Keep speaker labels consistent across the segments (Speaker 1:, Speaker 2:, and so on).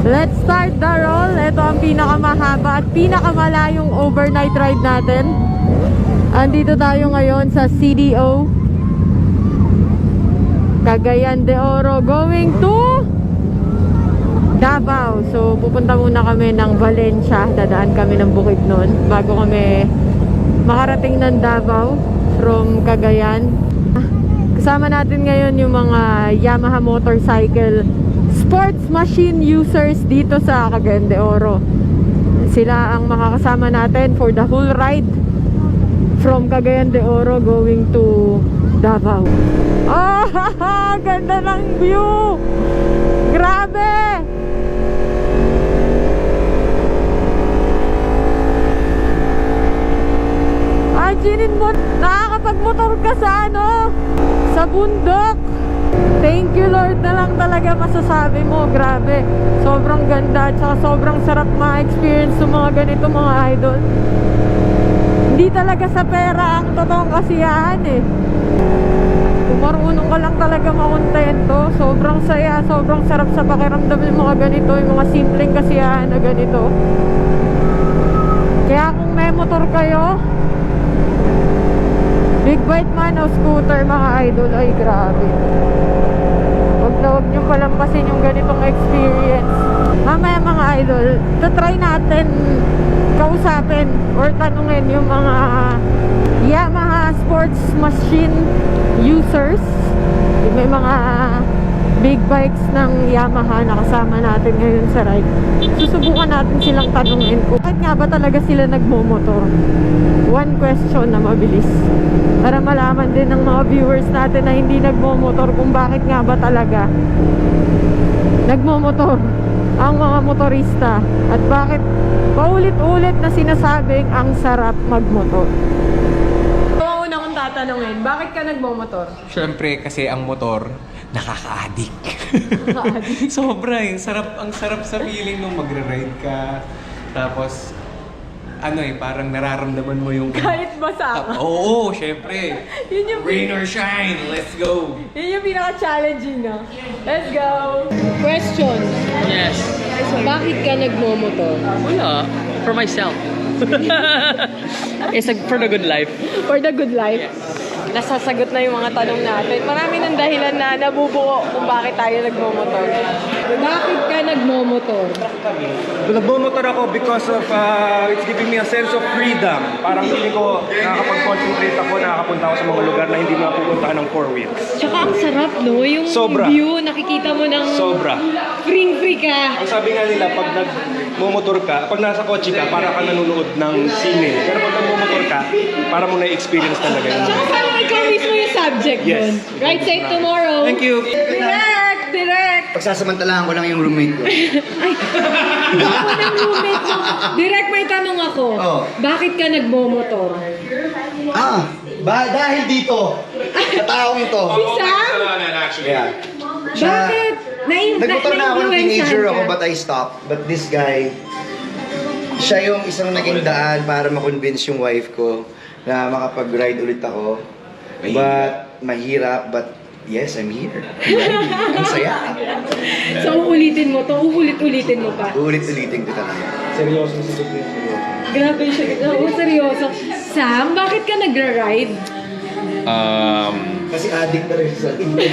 Speaker 1: Let's start the roll. Ito ang pinakamahaba at pinakamalayong overnight ride natin. Andito tayo ngayon sa CDO Cagayan de Oro going to Davao. So pupunta muna kami ng Valencia. Dadaan kami ng Bukidnon bago kami makarating ng Davao from Cagayan. Kasama natin ngayon yung mga Yamaha motorcycle sports machine users dito sa Cagayan de Oro. Sila ang makakasama natin for the whole ride from Cagayan de Oro going to Davao. Ah, ganda ng view! Grabe! Imaginin mo, nakakapagmotor ka sa sa bundok. Thank you Lord na lang talaga masasabi mo. Grabe, sobrang ganda at saka sobrang sarap ma-experience ng mga ganito mga idol. Hindi talaga sa pera ang totoong kasiyahan eh. Kung marunong ka lang talaga makontento, sobrang saya, sobrang sarap sa pakiramdam ng mga ganito, yung mga simpleng kasiyahan na ganito. Kaya kung may motor kayo, big bike man o scooter mga idol, ay grabe. Huwag nyo palampasin yung ganitong experience. Mamaya mga idol, try natin kausapin or tanungin yung mga Yamaha sports machine users. May mga big bikes ng Yamaha na kasama natin ngayon sa ride. Susubukan natin silang tanungin kung bakit nga ba talaga sila nagmomotor. One question na mabilis para malaman din ng mga viewers natin na hindi nagmomotor kung bakit nga ba talaga nagmomotor ang mga motorista at bakit paulit-ulit na sinasabing ang sarap magmotor. Ang una kong tatanungin, bakit ka nagmomotor?
Speaker 2: Syempre kasi ang motor nakaka-addict. Sobra eh. Ang sarap sa feeling nung magre-ride ka. Tapos parang nararamdaman mo yung
Speaker 1: Kahit basa ka.
Speaker 2: Oo, syempre.
Speaker 1: Yun yung
Speaker 2: Rain or shine, let's go.
Speaker 1: Yun yung pinaka-challenging, no? Let's go! Question.
Speaker 3: Yes.
Speaker 1: Bakit ka nagmomotor?
Speaker 3: Wala. For myself. It's like for the good life.
Speaker 1: For the good life? Nasasagot na yung mga tanong natin. Marami ng dahilan na nabubuo kung bakit tayo nagmomotor. Bakit ka nagmomotor?
Speaker 4: Nagmomotor ako because of it's giving me a sense of freedom. Parang feeling ko nakakapag-concentrate ako, nakakapunta ako sa mga lugar na hindi mo napupuntahan ng 4 wheels.
Speaker 1: Tsaka ang sarap, no? Yung
Speaker 4: Sobra.
Speaker 1: view, nakikita mo ng
Speaker 4: Sobra.
Speaker 1: free ka.
Speaker 4: Ang sabi nga nila, pag nagmomotor ka, pag nasa kotse ka, para ka nanonood ng sine. Pero pag nagmomotor ka, para mo na-experience talaga yun.
Speaker 1: Tsaka parang ikaw mismo yung subject
Speaker 4: Yes.
Speaker 1: dun. Ride safe tomorrow.
Speaker 4: Thank you.
Speaker 1: Direct!
Speaker 5: Pagsasamantalahan ko lang yung roommate ko.
Speaker 1: Ako ng roommate mo. Direct, may tanong ako.
Speaker 5: Oh.
Speaker 1: Bakit ka nagmomotor?
Speaker 5: Dahil dito, sa taong ito.
Speaker 1: Si Sam?
Speaker 5: Yeah.
Speaker 1: Bakit?
Speaker 5: Nagmotor na ako ng teenager ako,
Speaker 1: ka?
Speaker 5: but I stopped. But this guy, siya yung isang naging daan para ma-convince yung wife ko na makapag-ride ulit ako. But, mahirap, but yes, I'm here. Ang saya.
Speaker 1: So, uulitin mo to? Uulit-ulitin mo pa?
Speaker 5: Ulit-ulitin ko talaga.
Speaker 4: Seryoso sa sagot.
Speaker 1: Grabe siya. Oo, seryoso. Sam, bakit ka nagra-ride?
Speaker 5: Kasi addict na rin sa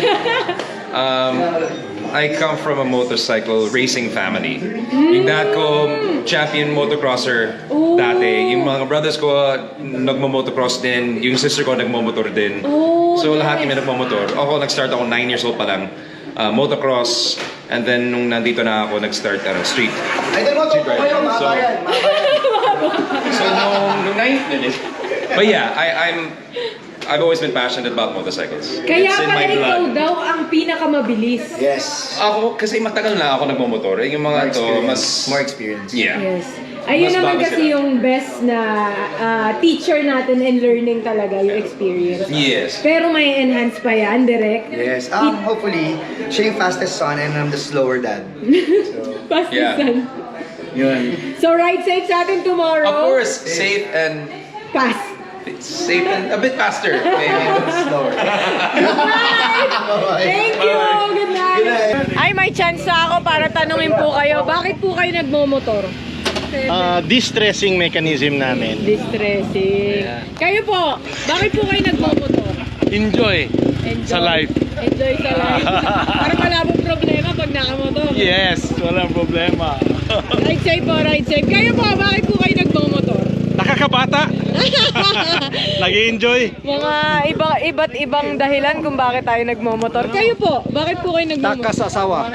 Speaker 6: I come from a motorcycle racing family. Yung dad ko, champion motocrosser dati. Yung mga brothers ko, nagmo-motocross din. Yung sister ko, nagmo-motor din. So lahat kami nagmo-motor. Ako, nag-start ako 9 years old pa lang. Motocross. And then, nung nandito na ako, nag-start street.
Speaker 5: Idol mo,
Speaker 6: Street
Speaker 5: tupo
Speaker 6: riding.
Speaker 5: kayo, mahaba yan.
Speaker 6: So, nung 9... But yeah, I've always been passionate about motorcycles.
Speaker 1: Kaya
Speaker 6: It's in
Speaker 1: pala
Speaker 6: my
Speaker 1: ikaw
Speaker 6: blood.
Speaker 1: daw ang pinakamabilis.
Speaker 5: Yes.
Speaker 6: Ako, kasi matagal na ako nagmamotor. Yung mga to, mas...
Speaker 5: More experience.
Speaker 6: Yeah.
Speaker 1: Yes. Ayun
Speaker 6: Mas
Speaker 1: naman
Speaker 6: bago
Speaker 1: kasi
Speaker 6: sila.
Speaker 1: yung best na teacher natin in learning talaga, yung experience.
Speaker 6: Yes.
Speaker 1: Pero may enhance pa yan, direct.
Speaker 5: Yes. Hopefully, siya yung fastest son and I'm the slower dad.
Speaker 1: Fast
Speaker 6: Yeah.
Speaker 1: son.
Speaker 5: Yun.
Speaker 1: So ride safe sa atin tomorrow.
Speaker 6: Of course, safe and
Speaker 1: Pass.
Speaker 6: safe and a bit faster. Maybe.
Speaker 5: Slower.
Speaker 1: Thank you. Good night. Ay, may chance na ako para tanungin po kayo, bakit po kayo nagmomotor?
Speaker 7: Distressing mechanism namin.
Speaker 1: Distressing. Kayo po, bakit po kayo nagmomotor?
Speaker 7: Enjoy sa life.
Speaker 1: Enjoy sa life. Para wala pong problema pag nakamotor.
Speaker 7: Yes, walang problema.
Speaker 1: Ride safe po, ride safe. Kayo po, bakit po kayo nagmomotor?
Speaker 7: Nakakabata. Nag-enjoy.
Speaker 1: Mga iba't ibang dahilan kung bakit tayo nagmomotor. Kayo po, bakit po kayo nagmomotor?
Speaker 7: Nakasasawa.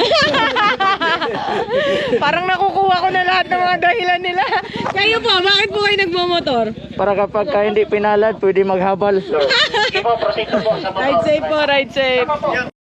Speaker 1: Parang nakukuha ko na lahat ng mga dahilan nila. Kayo po, bakit po kayo nagmomotor?
Speaker 7: Para kapag hindi pinalad, pwede maghabal.
Speaker 1: Ride safe po, ride safe.